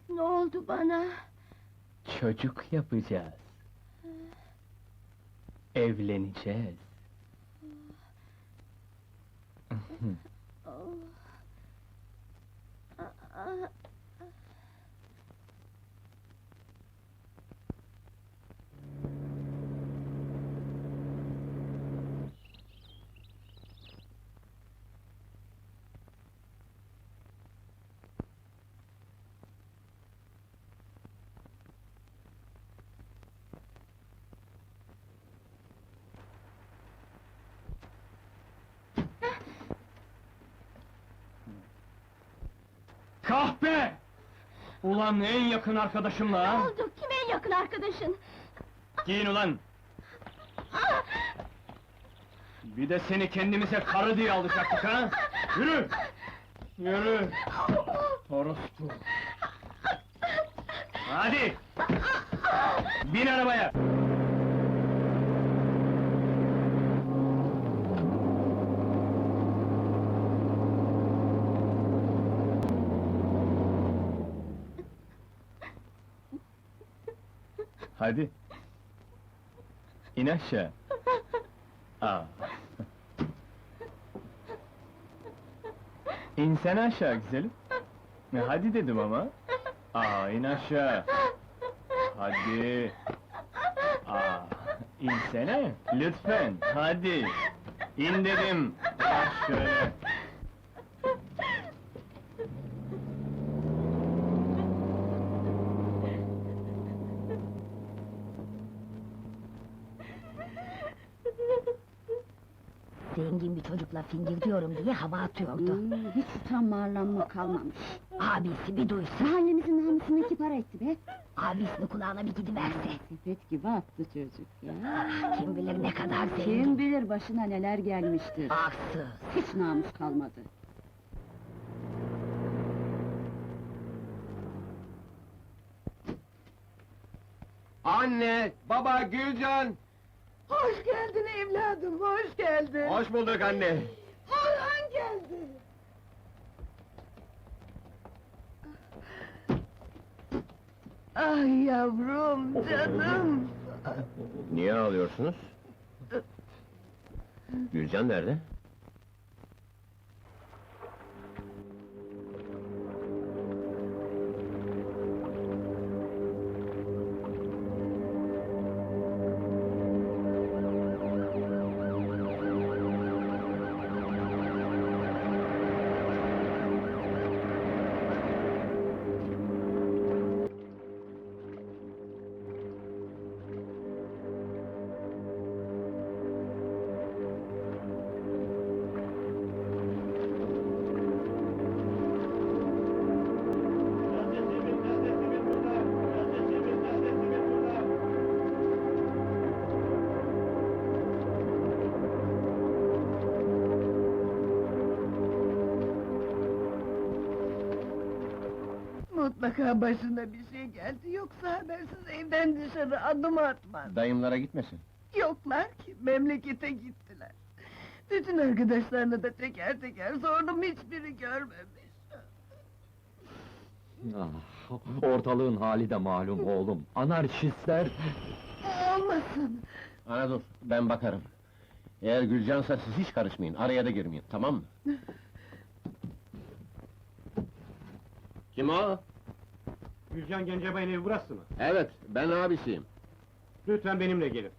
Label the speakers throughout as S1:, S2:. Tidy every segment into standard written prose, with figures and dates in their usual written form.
S1: Ne oldu bana?
S2: Çocuk yapacağız. Evleneceğiz.
S1: Oh. Aa,
S2: Kahpe! Ulan en yakın arkadaşımla
S1: Ne
S2: ha?
S1: oldu? Kim en yakın arkadaşın?
S2: Giyin ulan!
S1: Aa!
S2: Bir de seni kendimize karı diye alacaktık ha? Yürü! Yürü! Orospu! Hadi! Bin arabaya! Hadi! İn aşağı! Aa! İnsene aşağı güzelim! Hadi dedim ama! Aa, in aşağı! Hadi! Aa, insene! Lütfen, hadi! İn dedim! Bak şöyle!
S3: Zengin bir çocukla fingir diyorum diye hava atıyordu.
S1: Hiç utanma arlanma kalmamış.
S3: Abisi bir duysa,
S1: Mahallemizin namusunu iki para etti be.
S3: abisini kulağına bir gidiverse.
S1: Sepet gibi attı çocuk ya.
S3: Kim bilir ne kadar zengin.
S1: Kim bilir başına neler gelmiştir.
S3: Arsız.
S1: Hiç namus kalmadı.
S4: Anne, baba, Gülcan!
S5: Hoş geldin evladım, hoş geldin.
S4: Hoş bulduk anne!
S5: Orhan geldi. Ay yavrum, canım.
S4: Niye ağlıyorsunuz? Gülcan nerede?
S5: Mutlaka başına bir şey geldi, yoksa habersiz evden dışarı adım atmaz.
S4: Dayımlara gitmesin.
S5: Yoklar ki, memlekete gittiler. Bütün arkadaşlarını da teker teker sordum, hiçbiri görmemiş.
S6: Ortalığın hali de malum oğlum. Anarşistler...
S5: Olmasın!
S4: Ana dur, ben bakarım. Eğer Gülcansa siz hiç karışmayın, araya da girmeyin, tamam mı? Kim o?
S6: Gülcan Gencebay'ın evi burası mı?
S4: Evet, ben abisiyim.
S6: Lütfen benimle gelin.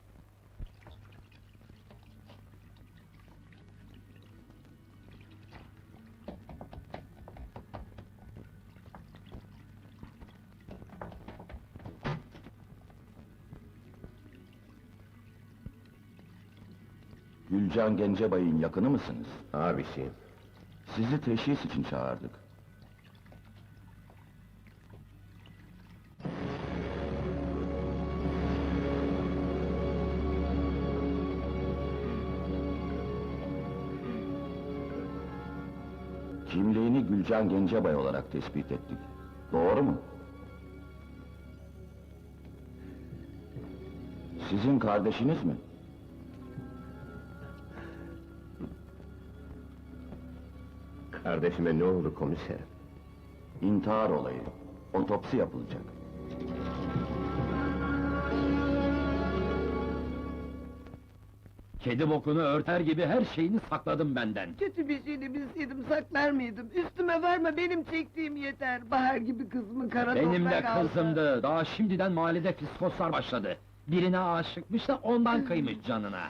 S7: Gülcan Gencebay'ın yakını mısınız?
S4: Abisiyim.
S7: Sizi teşhis için çağırdık. Kimliğini Gülcan Gencebay olarak tespit ettik. Doğru mu? Sizin kardeşiniz mi?
S4: Kardeşime ne oldu komiserim?
S7: İntihar olayı. Otopsi yapılacak.
S6: Kedi bokunu örter gibi her şeyini sakladım benden.
S5: Kötü bir şeyini bilseydim saklar mıydım? Üstüme varma, benim çektiğim yeter. Bahar gibi kızımı kara
S6: Benim de
S5: toprak aldı.
S6: kızımdı, daha şimdiden mahallede fiskoslar başladı. Birine aşıkmış da ondan kıymış canına.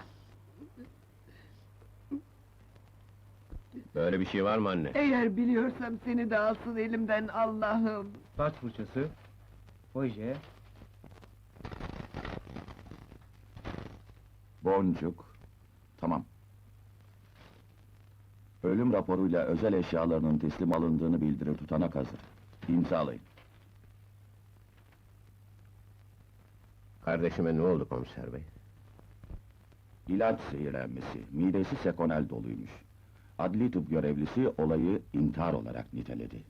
S4: Böyle bir şey var mı anne?
S5: Eğer biliyorsam seni de alsın elimden Allah'ım.
S2: Saç fırçası, oje,
S7: Boncuk. Tamam. Ölüm raporuyla özel eşyalarının teslim alındığını bildirir tutanak hazır. İmzalayın.
S4: Kardeşime ne oldu komiser bey?
S7: İlaç zehirlenmesi, midesi sekonel doluymuş. Adli tıp görevlisi olayı intihar olarak niteledi.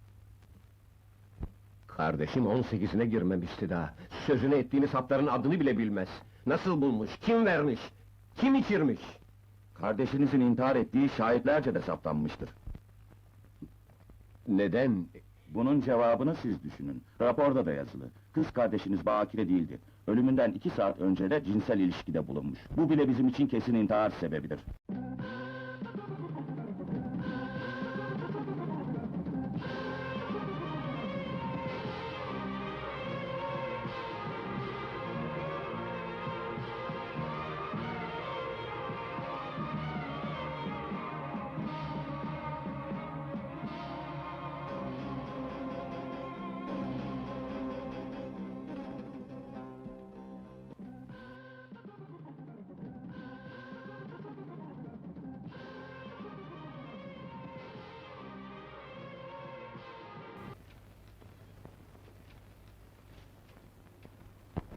S4: Kardeşim 18'ine girmemişti daha. Sözünü ettiğiniz hapların adını bile bilmez. Nasıl bulmuş, kim vermiş, kim içirmiş?
S7: Kardeşinizin intihar ettiği şahitlerce de saptanmıştır.
S4: Neden?
S7: Bunun cevabını siz düşünün. Raporda da yazılı. Kız kardeşiniz bakire değildi. Ölümünden 2 saat önce de cinsel ilişkide bulunmuş. Bu bile bizim için kesin intihar sebebidir.